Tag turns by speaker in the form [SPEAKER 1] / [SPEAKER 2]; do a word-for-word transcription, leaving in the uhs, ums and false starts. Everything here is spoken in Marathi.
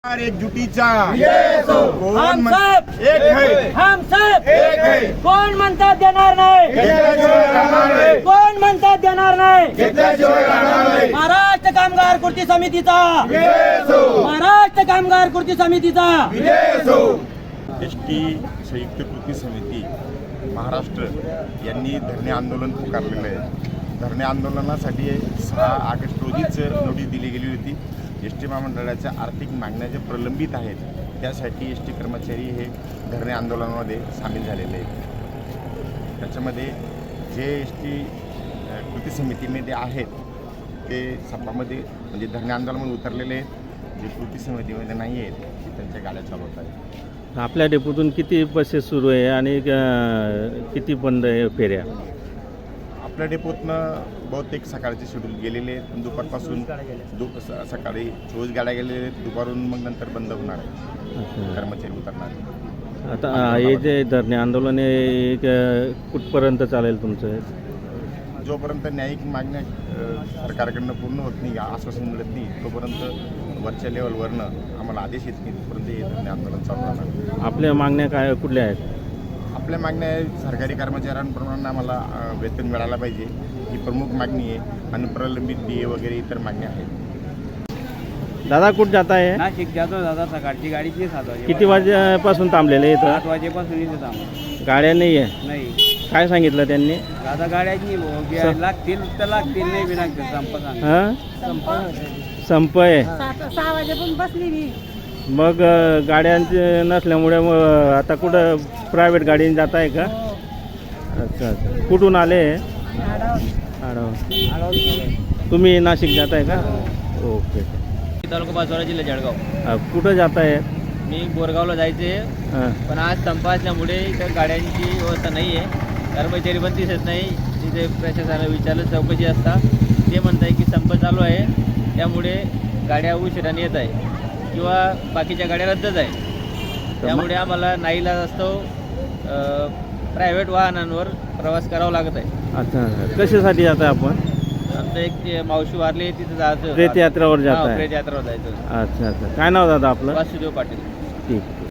[SPEAKER 1] एकजुटीचा कोण
[SPEAKER 2] हम
[SPEAKER 1] म्हण-
[SPEAKER 2] सब
[SPEAKER 1] एक है
[SPEAKER 2] हम सब
[SPEAKER 1] एक है
[SPEAKER 2] कोण म्हणतात देणार नाही
[SPEAKER 1] घेतल्याशिवाय राहणार नाही.
[SPEAKER 2] कोण म्हणतात देणार नाही
[SPEAKER 1] घेतल्याशिवाय राहणार नाही.
[SPEAKER 2] महाराष्ट्र कामगार कृती समितीचा
[SPEAKER 1] विजय असो.
[SPEAKER 2] महाराष्ट्र कामगार कृती समितीचा
[SPEAKER 1] विजय असो.
[SPEAKER 3] एस टी संयुक्त कृती समिती महाराष्ट्र यांनी धरणे आंदोलन पुकारलेलं आहे. धरणे आंदोलनासाठी सहा ऑगस्ट रोजीच नोटीस दिली गेली होती. एस टी महामंडळाच्या आर्थिक मागण्या ज्या प्रलंबित आहेत त्यासाठी एस टी कर्मचारी हे धरणे आंदोलनामध्ये सामील झालेले आहेत. त्याच्यामध्ये जे एस टी कृती समितीमध्ये आहेत ते सपामध्ये म्हणजे धरणे आंदोलनामध्ये उतरलेले आहेत. जे कृती समितीमध्ये नाही आहेत ते त्यांच्या गाड्या चालवत आहेत.
[SPEAKER 4] आपल्या डेपोतून किती बसेस सुरू आहे आणि अ, किती बंद आहे फेऱ्या?
[SPEAKER 3] आपल्या डेपोतनं बहुतेक सकाळचे शेड्यूल गेलेले आहेत. दुपारपासून दु स- सकाळी चोवीस गाड्या गेलेल्या आहेत. दुपारून मग नंतर बंद होणार आहे.
[SPEAKER 4] अच्छा.
[SPEAKER 3] कर्मचारी उतरणार आहेत.
[SPEAKER 4] आता अ, हे जे धरणे आंदोलन आहे अ, कुठपर्यंत चालेल तुमचं?
[SPEAKER 3] जोपर्यंत न्यायिक मागण्या अ, सरकारकडनं पूर्ण होत नाही, आश्वासन मिळत नाही, तोपर्यंत वरच्या लेवलवरनं आम्हाला आदेश येत नाही तोपर्यंत हे धरणे आंदोलन चालू राहणार.
[SPEAKER 4] आपल्या मागण्या काय कुठल्या आहेत?
[SPEAKER 3] आपल्या मागण्या आहे सरकारी कर्मचाऱ्यांप्रमाणे आम्हाला अ, वेतन मिळायला पाहिजे ही प्रमुख मागणी आहे. आणि प्रलंबित डी ए वगैरे इतर मागण्या आहेत.
[SPEAKER 4] दादा कुठं जात आहे?
[SPEAKER 5] नाशिक जातो दादा. सकाळची गाडीची सात वाजे
[SPEAKER 4] किती वाजेपासून थांबलेले
[SPEAKER 5] सात
[SPEAKER 4] इथं?
[SPEAKER 5] वाजेपासून इथे थांब
[SPEAKER 4] गाड्या नाही आहे.
[SPEAKER 5] नाही
[SPEAKER 4] काय सांगितलं त्यांनी?
[SPEAKER 5] दादा गाड्याची
[SPEAKER 4] स-
[SPEAKER 5] लागतील तर लागतील, नाही बी लागतील. संप सांग
[SPEAKER 4] हां,
[SPEAKER 5] संप
[SPEAKER 4] संप आहे.
[SPEAKER 6] सहा वाजेपर्यंत बसली मी.
[SPEAKER 4] मग अ, गाड्यांचे नसल्यामुळे मग आता कुठं प्रायव्हेट गाडीने जात आहे का? अच्छा अच्छा. कुठून आले? आडाव. तुम्ही नाशिक जात आहे का? ओके.
[SPEAKER 5] तालुका बाजूला जिल्हा जळगाव.
[SPEAKER 4] अ, कुठं जात आहे?
[SPEAKER 5] मी बोरगावला जायचे,
[SPEAKER 4] हां.
[SPEAKER 5] पण आज संप असल्यामुळे इथं गाड्यांची व्यवस्था नाही आहे. कर्मचारी पण दिसत नाही. तिथे प्रशासनाला विचारलं चौकशी असता ते म्हणत आहे की संप चालू आहे, त्यामुळे गाड्या उशिराने येत आहे किंवा बाकीच्या गाड्या रद्दच आहे. त्यामुळे आम्हाला नाईलाज असतो प्रायव्हेट वाहनांवर प्रवास करावा लागत आहे.
[SPEAKER 4] अच्छा. कशासाठी जात आहे आपण?
[SPEAKER 5] आमचं एक ते मावशी वारली तिथं जायचं.
[SPEAKER 4] प्रेत यात्रेवर जात
[SPEAKER 5] हा,
[SPEAKER 4] आहे.
[SPEAKER 5] प्रेत यात्रेवर जायचं.
[SPEAKER 4] अच्छा अच्छा. काय नाव दादा आपलं?
[SPEAKER 5] वासुदेव पाटील.
[SPEAKER 4] ठीक.